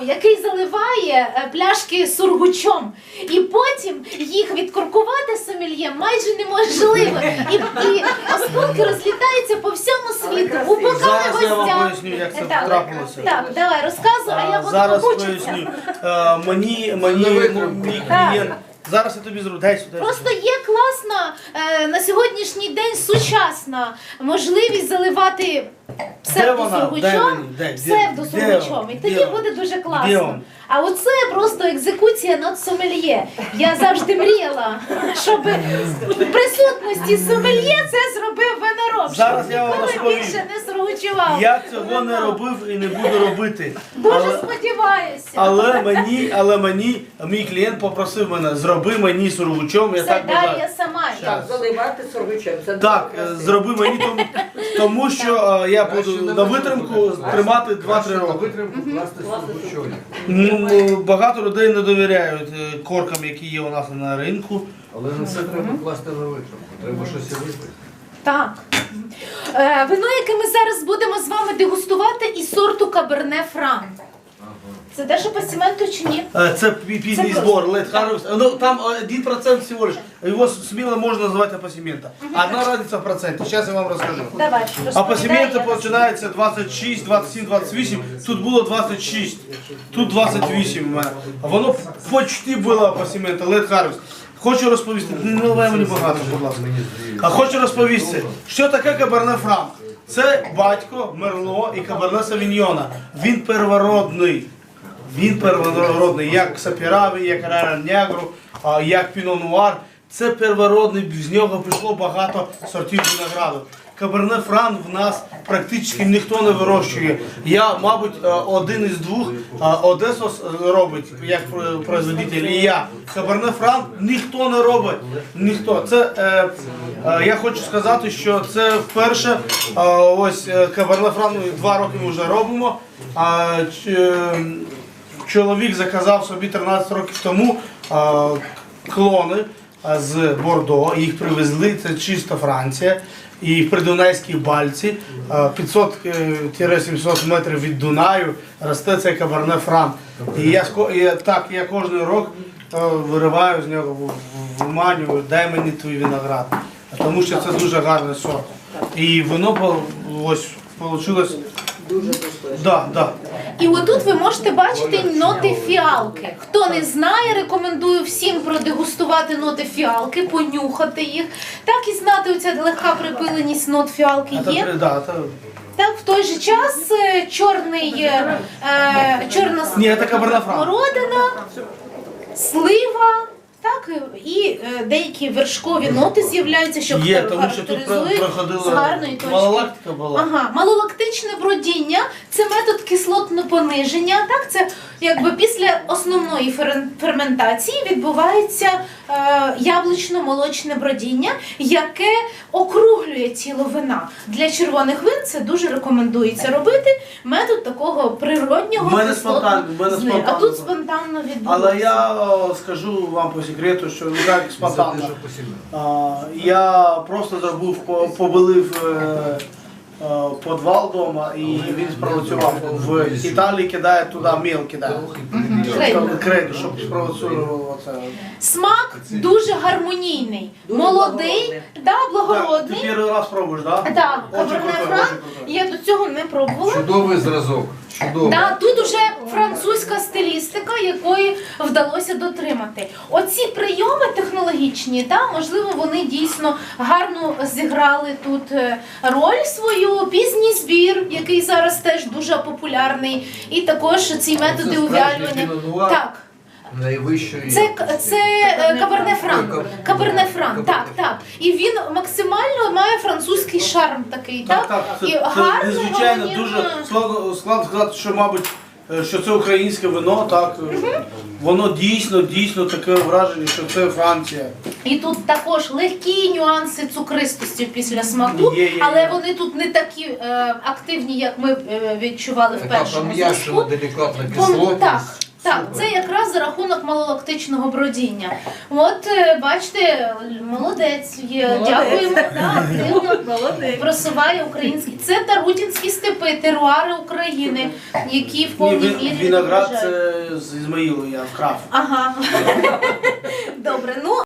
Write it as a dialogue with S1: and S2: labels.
S1: який заливає пляшки сургучом. І потім їх відкоркувати сомельє майже неможливо. І осколки розлітаються по всьому світу. У бокали
S2: Зараз я вам
S1: гостя.
S2: поясню, як це трапилося.
S1: Так, давай, розказуй, а я буду
S2: Зараз
S1: побучитися.
S2: поясню. Мій клієнт. Зараз я тобі зроблю. Дай сюди.
S1: Просто є класна на сьогоднішній день сучасна можливість заливати псевдосургучом, псевдосургучом. І тоді буде дуже класно. А оце просто екзекуція над сомельє. Я завжди мріяла, щоб в присутності сомельє це зробив винороб.
S2: Зараз я вам
S1: Ніколи
S2: розповім.
S1: більше не сургучував.
S2: Я цього не робив і не буду робити.
S1: Дуже сподіваюся.
S2: Але мені мій клієнт попросив мене, зроби мені сургучом. Я
S1: Це
S2: так
S1: далі
S2: бажаю.
S1: я сама.
S3: Так, заливати сургучем. Це
S2: Так,
S3: дуже красиво.
S2: зроби мені, тому що я буду на витримку тримати 2-3 роки.
S4: Витримку класти сургучом.
S2: Багато людей не довіряють коркам, які є у нас на ринку.
S4: Але не все треба класти на витримку. Треба щось і випити.
S1: Так. Вино, яке ми зараз будемо з вами дегустувати, із сорту Каберне Фран. Це те, що по цементу чи ні?
S2: Це пізній збор, Late Harvest. Ну, там 1% всего лишь. Його сміло можна називати апасімента. Одна різниця в проценті. Зараз я вам розкажу.
S1: Давай,
S2: Апасімента починається 26, 27, 28. Тут було 26. Тут 28 у мене. А воно почти було апасімента, Late Harvest. Хочу розповісти, не наливай мені багато, будь ласка. А хочу розповісти, що таке Каберне Фран. Це батько Мерло і Каберне Савіньйона. Він первородний. Він первородний, як Сапіраві, як Раран-Нягру, як Піно Нуар. Це первородний, з нього пішло багато сортів винограду. Каберне Фран в нас практично ніхто не вирощує. Я, мабуть, один із двох. Одесос робить, як производитель, і я. Каберне Фран ніхто не робить. Ніхто. Це, я хочу сказати, що це вперше, ось Каберне Фран 2 роки ми вже робимо. Чоловік заказав собі 13 років тому клони з Бордо, їх привезли, це чисто Франція, і в Придунайській Бальці, 500-700 метрів від Дунаю, росте цей Каберне Фран. І я кожен рік вириваю з нього, виманюю, дай мені твій виноград, тому що це дуже гарний сорт. І воно ось вийшло.
S3: Дуже достойно.
S2: Да.
S1: І отут ви можете бачити ноти фіалки. Хто не знає, рекомендую всім продегустувати ноти фіалки, понюхати їх. Так і знати, оця легка припиленість нот фіалки є. Так, в той же час чорна смородина, слива, так, і деякі вершкові ноти з'являються, що характеризують з гарної точки.
S2: Малолактика була.
S1: Ага, малолактичне бродіння – це метод кислотного пониження. Так, це якби після основної ферментації відбувається яблучно-молочне бродіння, яке округлює тіло вина. Для червоних вин це дуже рекомендується робити. Метод такого природнього кислотного зниження. А тут спонтанно відбувається.
S2: Але я скажу вам по секрету, що як спонтанно. Я просто зробив, побелив підвал вдома, і він спровоцював. В Італії кидає туди міл, кидає. Крейду, щоб спровоцював це.
S1: Смак дуже гармонійний, молодий, благородний.
S2: Ти перший раз пробуєш, так?
S1: Так, Каберне Фран, я до цього не пробувала.
S4: Чудовий зразок. Чудовий.
S1: Да, тут уже французька стилістика, якої вдалося дотримати. Оці прийоми технологічні, можливо, вони дійсно гарно зіграли тут роль свою. Пізній збір, який зараз теж дуже популярний, і також ці методи увялювання. Так.
S4: Найвищої.
S1: Це Каберне Фран. Каберне Фран, так. І він максимально має французький шарм такий, так?
S2: Це
S1: І гарно,
S2: незвичайно дуже складно сказати, що, мабуть, що це українське вино, так. Воно дійсно таке враження, що це Франція.
S1: І тут також легкі нюанси цукристості після смаку, але вони тут не такі активні, як ми відчували в першому
S4: Пом'якшена
S1: зв'язку.
S4: делікатна кислотність.
S1: Так, це якраз за рахунок малолактичного бродіння. От, бачите, молодець є. Дякуємо, да, активно просуває український. Це Тарутінські степи, теруари України, які в повній мірі
S2: Виноград
S1: відображають.
S2: це з Ізмаїлу я вкрав.
S1: Ага.